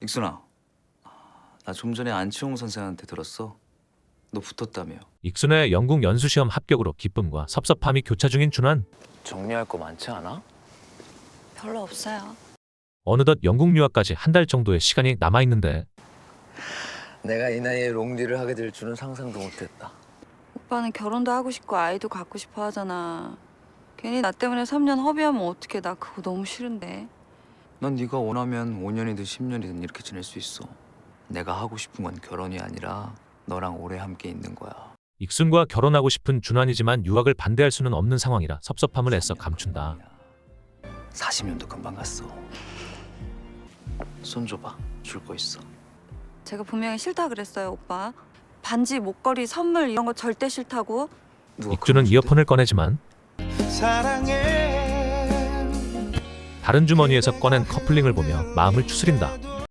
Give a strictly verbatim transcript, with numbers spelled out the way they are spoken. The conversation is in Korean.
익순아, 나 좀 전에 안치홍 선생한테 들었어. 너 붙었다며. 익순의 영국 연수시험 합격으로 기쁨과 섭섭함이 교차 중인 준환. 정리할 거 많지 않아? 별로 없어요. 어느덧 영국 유학까지 한 달 정도의 시간이 남아있는데 내가 이 나이에 롱디를 하게 될 줄은 상상도 못했다. 오빠는 결혼도 하고 싶고 아이도 갖고 싶어 하잖아. 괜히 나 때문에 삼 년 허비하면 어떡해. 나 그거 너무 싫은데. 넌 네가 원하면 오 년이든 십 년이든 이렇게 지낼 수 있어. 내가 하고 싶은 건 결혼이 아니라 너랑 오래 함께 있는 거야. 익순과 결혼하고 싶은 준환이지만 유학을 반대할 수는 없는 상황이라 섭섭함을 애써 감춘다. 사십 년도 금방 갔어. 손 줘봐. 줄 거 있어. 제가 분명히 싫다 그랬어요, 오빠. 반지, 목걸이, 선물 이런 거 절대 싫다고. 누가 익준은 그런 이어폰을 꺼내지만 사랑해 다른 주머니에서 꺼낸 커플링을 보며 마음을 추스린다.